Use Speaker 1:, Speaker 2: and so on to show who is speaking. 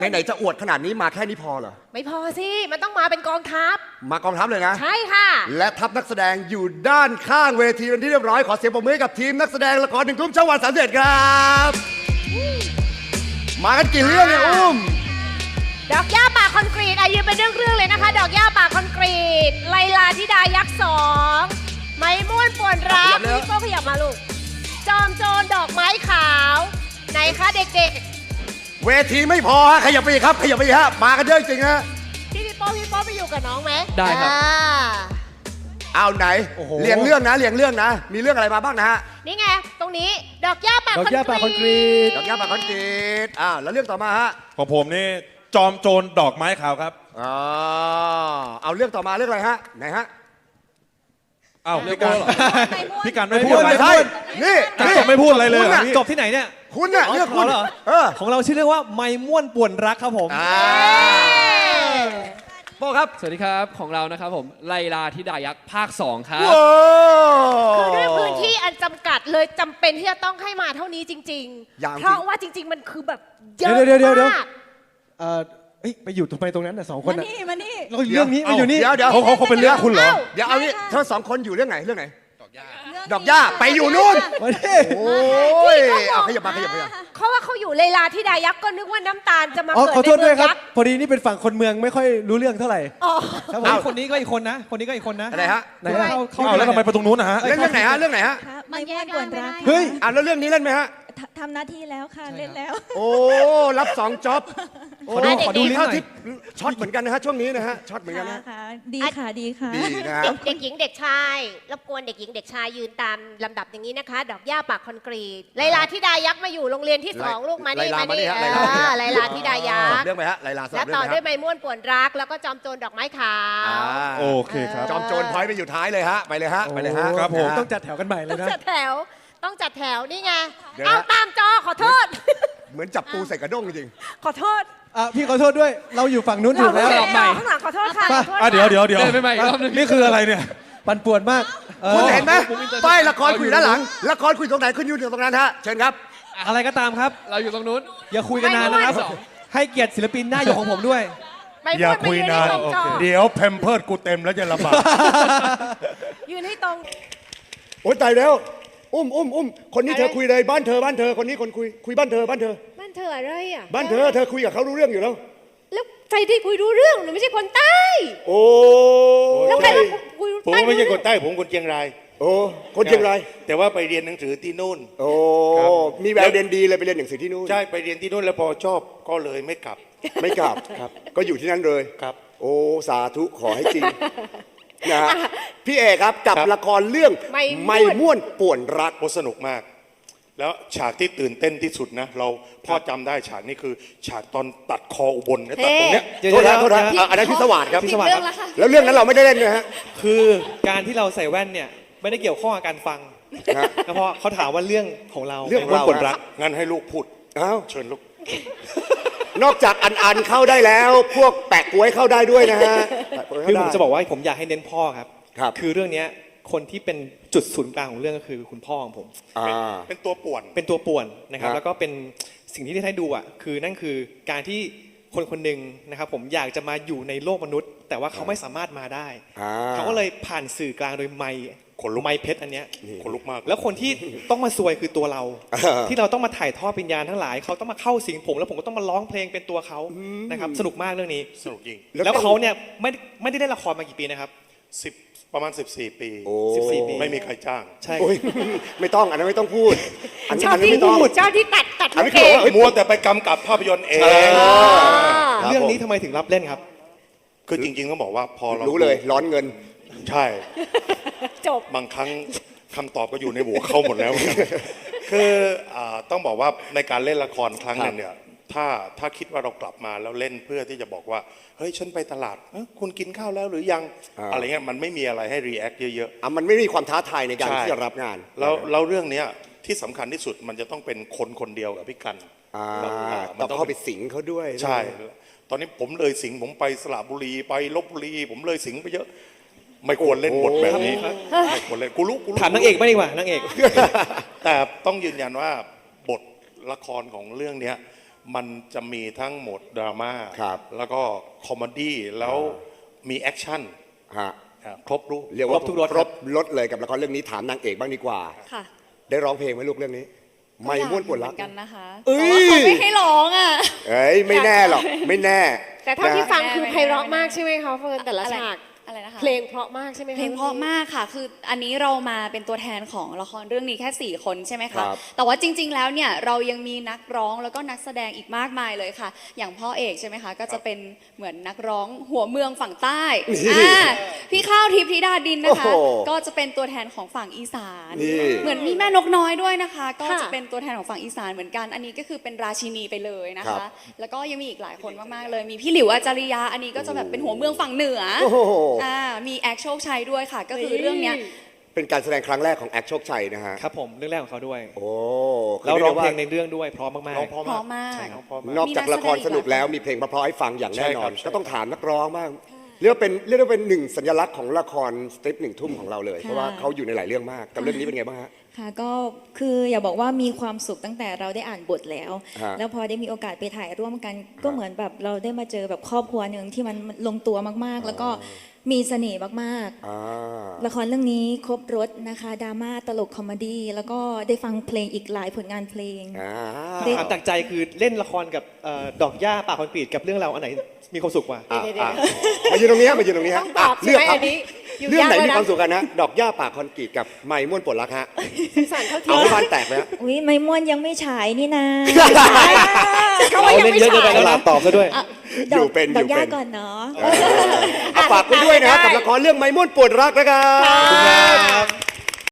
Speaker 1: ไหนๆจะอวดขนาดนี้มาแค่นี้พอเหรอ
Speaker 2: ไม่พอสิมันต้องมาเป็นกองทัพ
Speaker 1: มากองทัพเลยนะ
Speaker 2: ใช่ค่ะ
Speaker 1: และทัพนักแสดงอยู่ด้านข้างเวทีเป็นที่เรียบร้อยขอเสียงปรบมือให้กับทีมนักแสดงละครหนึ่งทุ่มช่องวัน31ครับมากันกี่เรื่องเนี่ยอุ้ม
Speaker 2: ดอกหญ้าป่าคอนกรีตยืนเป็นเรื่องๆเลยนะคะ ดอกหญ้าป่าคอนกรีตไลลาธิดายักษ์2ไม้ม่วนป่วนรักพี่โป้ขยับมาลูกจอมโจรดอกไม้ขาวไหนคะเด็ก
Speaker 1: เวทีไม่พอฮะขยับไปอีกครับขยับไปอีกฮะมากันเยอะจริงฮะ
Speaker 2: ๆพี่โป้ไปอยู่กับน้องไหม
Speaker 3: ได้ครับ
Speaker 1: เอาไหน
Speaker 3: โอ้โห
Speaker 1: เรียงเรื่องนะเรียงเรื่องนะ มีเรื่องอะไรมาบ้างนะฮะ
Speaker 2: นี่ไงตรงนี้ดอกหญ้าป่า
Speaker 3: ดอกหญ้าป่าคอนกรีต
Speaker 1: ดอกยาปากคอนกรีตแล้วเรื่องต่อมาฮะ
Speaker 4: ของผมนี่จอมโจรดอกไม้ขาวครับ
Speaker 1: เอาเรื่องต่อมาเรื่องอะไรฮะไหนฮะ
Speaker 4: อ้าวพี่กันพี่กันไม่พู
Speaker 1: พู
Speaker 4: ด
Speaker 1: ด
Speaker 4: อะไร
Speaker 1: ไม่ใช่นี่
Speaker 4: กันจบไม่พูดอะไรเลยเหรอพี่
Speaker 3: จบที่ไหนเนี่ย
Speaker 1: คุณน่ะเรื่องคุณ
Speaker 3: เหรอ ของเราชื่อเรื่องว่าไม้ม่วนป่วนรักครับผม
Speaker 1: โป้ครับ
Speaker 5: สวัสดีครับของเรานะครับผมไลลาธิดายักษ์ภาค 2 ครับ
Speaker 1: โอ้
Speaker 2: คือด้วยพื้นที่อันจำกัดเลยจำเป็นที่จะต้องให้มาเท่านี้จริง
Speaker 1: อย่าง
Speaker 2: ๆ
Speaker 1: จริง
Speaker 2: เพราะว่าจริง ๆ มันคือแบบเยอะ
Speaker 3: เดี๋ยว
Speaker 2: มาก
Speaker 3: ไปอยู่ตรงไปตรงนั้นน่ะสองคนน่ะ
Speaker 6: มานี่
Speaker 3: เราเรื่องนี้มาอยู่นี่
Speaker 1: เดี๋ยว
Speaker 4: เขาเป็นเรื่องคุณเหรอ
Speaker 1: เดี๋ยวเอานี่เธอสองคนอยู่เรื่องไหนเรื่องไหนดอกหญ้าไปอยู่นู่น
Speaker 3: มาดิ
Speaker 1: โอ้ยเอาขยับมาขยับมา
Speaker 2: เขาว่าเขาอยู่เลลาธิดายักษ์ก็นึกว่าน้ำตาลจะมา
Speaker 3: อ๋อ
Speaker 2: เกิด
Speaker 3: ขอโทษ
Speaker 2: ใน
Speaker 3: ด้
Speaker 2: เมื
Speaker 3: วย
Speaker 2: อง
Speaker 3: ครับ
Speaker 2: ยักษ์
Speaker 3: พอดีนี่เป็นฝั่งคนเมืองไม่ค่อยรู้เรื่องเท่าไหร่
Speaker 2: อ๋อ
Speaker 3: ครับผมคนนี้ก็อีกคนนะ คนนี้ก็อีกคนนะ
Speaker 1: อะไรฮะ
Speaker 3: ไหนฮะ
Speaker 4: เอาแล้วทำไมไปตรงนู้นนะฮะ
Speaker 1: เรื่องไหนฮะเรื่องไหนฮะ
Speaker 6: ไม่ม่วนกวนรัก
Speaker 3: เฮ้ย
Speaker 1: แล้วเรื่องนี้เล่นไหมฮะ
Speaker 6: ทำหน้าที่แล้วค่ะ เล่นแล้ว
Speaker 1: โอ้รับ2จ็อบโอ้
Speaker 3: ขอดูลิ้นหน่อย
Speaker 1: เข้าที่ช็อตเหมือนกันนะฮะช่วงนี้นะฮะช็อตเหมือนกันนะ
Speaker 6: ค่ะ ดีค่ะ ดีค่ะ
Speaker 1: ดีนะฮะ
Speaker 2: เด็กหญิงเด็กชายรบกวนเด็กหญิงเด็กชายยืนตามลำดับอย่างนี้นะคะ ดอกหญ้าปากคอนกรีตไลลาธิดายักษ์มาอยู่โรงเรียนที่ 2 ลูกมานี่
Speaker 1: ไลลา
Speaker 2: มานี่
Speaker 1: มานี่ฮะไลลา
Speaker 2: ไลลาธิดายั
Speaker 1: ส
Speaker 2: ก
Speaker 1: อบ
Speaker 2: ษ์
Speaker 1: เรื่องไปฮะไลลาสอบ
Speaker 2: และ
Speaker 1: เรื่อง
Speaker 2: ต่อ
Speaker 1: ไป
Speaker 2: ด้วย
Speaker 1: ฮะ
Speaker 2: ไม้ม่วนป่วนรัก แล้วก็จอมโจรดอกไม้ขาว
Speaker 4: โอเคครับ
Speaker 1: จอมโจรพอยต์ไปอยู่ท้ายเลยฮะไปเลยฮะไปเลยฮะ
Speaker 4: ครับผม
Speaker 3: ต้องจัดแถวกันใหม่เลยนะ
Speaker 2: จัดแถวต้องจัดแถวนี่ไง
Speaker 1: เดี๋ยวนะ
Speaker 2: เอาตามจอขอโทษ
Speaker 1: เหมือนจับปูใส่กระด้งจริง
Speaker 2: ขอโทษ
Speaker 3: พี่ขอโทษด้วย เราอยู่ฝั่งนู้นถูกแล้ว
Speaker 5: รอบใหม่
Speaker 2: ข้างหลังขอโทษค่ะ
Speaker 3: ไป
Speaker 2: ขอโทษ
Speaker 4: เดี๋ยว
Speaker 2: ค่ะ
Speaker 4: เดี๋ยว
Speaker 5: เดินไปใหม่อีกรอบหนึง
Speaker 4: นี่คืออะไรเนี่ย
Speaker 3: ปั่นป่วนมาก
Speaker 1: คุณเห็นไหมป้ายละครคุยด้านหลังละครคุยตรงไหนคุณอยู่ตรงนั้นฮะเชิญครับ
Speaker 3: อะไรก็ตามครับ
Speaker 5: เราอยู่ตรงนู้น
Speaker 3: อย่าคุยกันนานนะครับ ให้เกียรติศิลปินหน้าหยกของผมด้วย
Speaker 2: ไม่
Speaker 4: อย่า
Speaker 2: พูด
Speaker 4: คุย
Speaker 2: ไม่
Speaker 4: นาน
Speaker 2: ให้ตรงจอ
Speaker 4: เดี๋ยวแพมเพิร์ดกูเต็มแล้วจะลำบาก
Speaker 2: ยืนให้ตรง
Speaker 1: โอ้ยตายแล้วอุ้มคนนี้เธอคุยเลยบ้านเธอคนนี้คนคุยบ้านเธอ
Speaker 2: บ้านเธออะไรอ่ะ
Speaker 1: บ้านเธอคุยกับเขารู้เรื่องอยู่แล้ว
Speaker 2: แล้วใครที่คุยรู้เรื่องหนูไม่ใช่คนใต้
Speaker 1: โอ้
Speaker 2: แล้วใครมาคุย
Speaker 7: ผม
Speaker 2: ใต้
Speaker 7: ก็ไม่ใช่
Speaker 2: รู้
Speaker 7: ค
Speaker 2: เรื่อน ง
Speaker 7: ใต้ผมคนเชียงราย
Speaker 1: โอ้คนเชียงราย
Speaker 7: แต่ว่าไปเรียนหนังสือที่นู่น
Speaker 1: โอ้
Speaker 7: ครับ
Speaker 1: มีแววเรียนดีเลยไปเรียนหนังสือที่นู่น
Speaker 7: ใช่ไปเรียนที่นู่นแล้วพอชอบก็เลยไม่กลับ
Speaker 1: ไม่กลับก็อยู่ที่นั่นเลย
Speaker 7: ครับ
Speaker 1: โอ้สาธุขอให้จริงนะฮะพี่เอกครับกับ
Speaker 7: ครับ
Speaker 1: ละครเรื่องไม่ม่วนป่วนรัก
Speaker 7: โอ้สนุกมาก แล้วฉากที่ตื่นเต้นที่สุดนะ เราพ่อจำได้ฉากนี้คือ ฉากตอนตัดคออุบลเนี่ยตัดตรงเนี้ย
Speaker 3: เดี๋ยว
Speaker 1: โทษนะ
Speaker 3: เดี๋ยว
Speaker 1: โทษนะอันนั้นพิศวาสครับ
Speaker 3: พิศวาสครับ
Speaker 1: แล้วเรื่องนั้นเราไม่ได้เล่นนะฮะ
Speaker 3: คือการที่เราใส่แว่นเนี่ยไม่ได้เกี่ยวข้องกับการฟัง
Speaker 1: ฮะ
Speaker 3: เพราะเขาถามว่าเรื่องของเรา
Speaker 1: เรื่องของเรา
Speaker 7: คนรักงั้นให้ลูกพูด
Speaker 1: อ้าว
Speaker 7: เชิญลูก
Speaker 1: นอกจากอันเข้าได้แล้ว พวกแปะกล้วยเข้าได้ด้วยนะฮะแปะก๊วย
Speaker 3: คือ
Speaker 1: เข้า
Speaker 3: ผม
Speaker 1: ได้
Speaker 3: จะบอกว่าผมอยากให้เน้นพ่อครับ
Speaker 1: ครับ
Speaker 3: คือเรื่องเนี้ยคนที่เป็นจุดศูนย์กลางของเรื่องก็คือคุณพ่อของผม
Speaker 1: อ่า
Speaker 7: เป็นตัวป่วน
Speaker 3: เป็นตัวป่วนนะครับ
Speaker 1: ครับ
Speaker 3: แล้วก็เป็นสิ่งที่ได้ให้ดูอ่ะคือนั่นคือการที่คนคนหนึ่งนะครับผมอยากจะมาอยู่ในโลกมนุษย์ แต่ว่าเขาไม่สามารถมาได้
Speaker 1: อ่า
Speaker 3: เขาก็เลยผ่านสื่อกลางโดยไมค์
Speaker 7: ขนลุก
Speaker 3: ไมค์เพชรอันเนี้ย
Speaker 7: คนลุกมาก
Speaker 3: แล้วคนที่ต้องมาซวยคือตัวเรา
Speaker 1: อ่า
Speaker 3: ที่เราต้องมาถ่ายทอดวิญญาณทั้งหลายเขาต้องมาเข้าสิงผมแล้วผมก็ต้องมาร้องเพลงเป็นตัวเขานะครับสนุกมากเรื่องนี้
Speaker 7: สนุกจริง
Speaker 3: แล้วเขาเนี่ยไม่ได้เล่นละครมากี่ปีนะครับ
Speaker 7: ประมาณ 14 ปี
Speaker 1: โอ้
Speaker 3: 14 ปี
Speaker 7: ไม่มีใครจ้าง
Speaker 3: ใช่
Speaker 1: โอ้ยไม่ต้องอันนั้นไม่ต้องพูดอัน
Speaker 2: ชอบ
Speaker 1: นั้น
Speaker 2: ที่
Speaker 1: ไม่ต้อง
Speaker 2: ชอบที่ตัด
Speaker 1: อัน
Speaker 2: ลู
Speaker 1: นี้
Speaker 2: ก
Speaker 1: คือ
Speaker 2: เอง
Speaker 1: ว่าเฮ้ย
Speaker 7: มัวแต่ไปกำกับภาพยนตร์เอง
Speaker 1: ครับ
Speaker 3: เรื่องนี้
Speaker 1: ผม
Speaker 3: ทำไมถึงรับเล่นครับ
Speaker 7: คือจริงๆต้องบอกว่าพอเรา
Speaker 1: รู้เลยร้อนเงิน
Speaker 7: ใช่
Speaker 2: จบ
Speaker 7: บางครั้งคำตอบก็อยู่ในหัวเขาหมดแล้ว คือต้องบอกว่าในการเล่นละครครั้งหนึงเนี่ยถ้าคิดว่าเรากลับมาแล้วเล่นเพื่อที่จะบอกว่าเฮ้ยฉันไปตลาดคุณกินข้าวแล้วหรือยัง อะไรเงี้ยมันไม่มีอะไรให้รีแอคเยอะ
Speaker 1: มันไม่มีความท้าทายใน
Speaker 7: ๆ
Speaker 1: การ
Speaker 7: ใช่
Speaker 1: ที่จะรับงาน
Speaker 7: แล้วเรื่องเนี้ยที่สำคัญที่สุดมันจะต้องเป็นคนเดียวกับพี่กัน
Speaker 1: ต้องเข้าไปสิงเขาด้วย
Speaker 7: ใช่ ตอนนี้ผมเลยสิงห์ผมไปสระบุรีไปลบบุรี ผมเลยสิงห์ไปเยอะ ไม่ควรเล่นบทแบบนี้ไม่ควรเล่นกูรู้
Speaker 3: ถามนางเอกไม่ดีกว่านางเอก
Speaker 7: แต่ต้องยืนยันว่าบทละครของเรื่องเนี้ยมันจะมีทั้งโหมดดราม่า
Speaker 1: ครับ
Speaker 7: แล้วก็คอมเมดี้แล้วมีแอคชั่น
Speaker 1: ฮะ
Speaker 7: ครบรูป
Speaker 1: เรียกว่า
Speaker 3: ครบทุกรส
Speaker 1: ครบรถเลยกับละครเรื่องนี้ถามนางเอกบ้างดีกว่า
Speaker 8: ค่ะ
Speaker 1: ได้ร้องเพลงไหมลูกเรื่องนี้ ไม่ม่วนปวดรัก
Speaker 8: เหมือนกันนะคะ
Speaker 1: เอ้ย
Speaker 8: แต่ว่าเขาไม่ให้ร้องอ่ะ
Speaker 1: เอ้ยไม่แน่หรอกไม่แน่
Speaker 2: แต่เท่าที่
Speaker 1: นะ
Speaker 2: ฟังคือไพเราะมากใช่ไหมคะเฟิร์นแต่ละฉาก
Speaker 8: อะไรนะคะ
Speaker 2: เพลงเพราะมากใช่ไหมคะ
Speaker 8: เพลงเพราะมากค่ะ คืออันนี้เรามาเป็นตัวแทนของละครเรื่องนี้แค่ 4 คนใช่ไหม
Speaker 1: ครั
Speaker 8: คะ
Speaker 1: บ
Speaker 8: แต่ว่าจริง ๆ แล้วเนี่ยเรายังมีนักร้องแล้วก็นักแสดงอีกมากมายเลยค่ะ อย่างพ่อเอกใช่ไหมคะ ก็จะเป็นเหมือนนักร้องหัวเมืองฝั่งใต้พี่ข้าวทิพย์ธิดาดินนะคะ
Speaker 1: โอ้โห
Speaker 8: ก็จะเป็นตัวแทนของฝั่งอีสาน
Speaker 1: นี่
Speaker 8: เหมือนมีแม่นกน้อยด้วยนะคะ ก็จะเป็นตัวแทนของฝั่งอีสานเหมือนกัน อันนี้ก็คือเป็นราชินีไปเลยนะ
Speaker 1: ครั
Speaker 8: คะ
Speaker 1: บ
Speaker 8: แล้วก็ยังมีอีกหลายคนมากๆเลย มีพี่หลิวอาจาริยา อันนี้ก็จะแบบเป็นหัวเมืองฝั่งเหนือ
Speaker 1: โอ้โห
Speaker 8: มีแอคโชคชัยด้วยค่ะ ก็คือเรื่องเนี้ย
Speaker 1: เป็นการแสดงครั้งแรกของแอคโชคชัยนะฮะ
Speaker 3: ครับผมเรื่องแรกของเขาด้วย
Speaker 1: โอ้
Speaker 3: แล้วร้องเพลง
Speaker 1: ใน
Speaker 3: ในเรื่องด้วยเพร้อมมาก
Speaker 7: ร้องเพราะ
Speaker 8: เพราะมาก
Speaker 7: ใช่ครับเพราะมาก
Speaker 1: นอกจากละครสนุกแล้วมีเพลงเพราะๆให้ฟังอย่างแน่นอน
Speaker 7: ใช่ครับ
Speaker 1: ก็ต้องถามนักร้องบ้างเรียกว่าเป็นหนึ่งสัญลักษณ์ของละครสตริป1 ทุ่มของเราเลย เพราะว่าเขาอยู่ในหลายเรื่องมากกับเรื่องนี้เป็นไงบ้างฮะ
Speaker 6: ค่ะก็คืออย่าบอกว่ามีความสุขตั้งแต่เราได้อ่านบทแล้ว
Speaker 1: ฮะ
Speaker 6: แล้วพอได้มีโอกาสไปถ่ายร่วมกัน ก็เหมือนแบบเราได้มาเจอแบบครอบครัวหนึ่งที่มันลงตัวมากๆ แล้วก็มีเสน่ห์มาก
Speaker 1: อ่า
Speaker 6: ๆ ละครเรื่องนี้ครบรถนะคะดราม่าตลกคอมเมดี้แล้วก็ได้ฟังเพลงอีกหลายผลงานเพลง
Speaker 1: อ่า
Speaker 6: ได้
Speaker 3: ๆถามจากใจคือเล่นละครกับดอกหญ้าป่าคอนกรีตกับเรื่องเราอันไหนมีความสุขกว่า
Speaker 1: อ่ะอ่ะมายืนตรงนี้ฮะมายืนตรงนี้ฮะ
Speaker 2: ต้องตอบ
Speaker 1: เลือก
Speaker 2: ใช่ไหม
Speaker 1: ครับ
Speaker 2: อันนี้อยู่
Speaker 1: เรื่องไหน
Speaker 2: ยากเลย
Speaker 1: มี
Speaker 2: นะ
Speaker 1: ความสุขกันนะดอกหญ้าป่าคอนกรีตกับไม้ม่วนปวดรักฮะ
Speaker 2: สารเขาที
Speaker 1: เอาให้บ้านแตกเลยฮะ
Speaker 6: อุ้ยไม่ม่วนยังไม่ฉายนี่นะ
Speaker 2: เขาว่ายังไม่
Speaker 3: เล่นเยอะเกินไป
Speaker 2: ฉาย
Speaker 3: แล้วนะตอบซะด้วย
Speaker 1: อยู่เป็น
Speaker 6: ด
Speaker 1: อ
Speaker 6: อก
Speaker 1: ยู่
Speaker 6: ย่า
Speaker 1: เป็น
Speaker 6: ก่อนเนาะ
Speaker 1: เอาฝากไว้ด้วยนะฮะกับละครเรื่องไม้ม่วนปวดรักนะครับ
Speaker 2: ค่ะ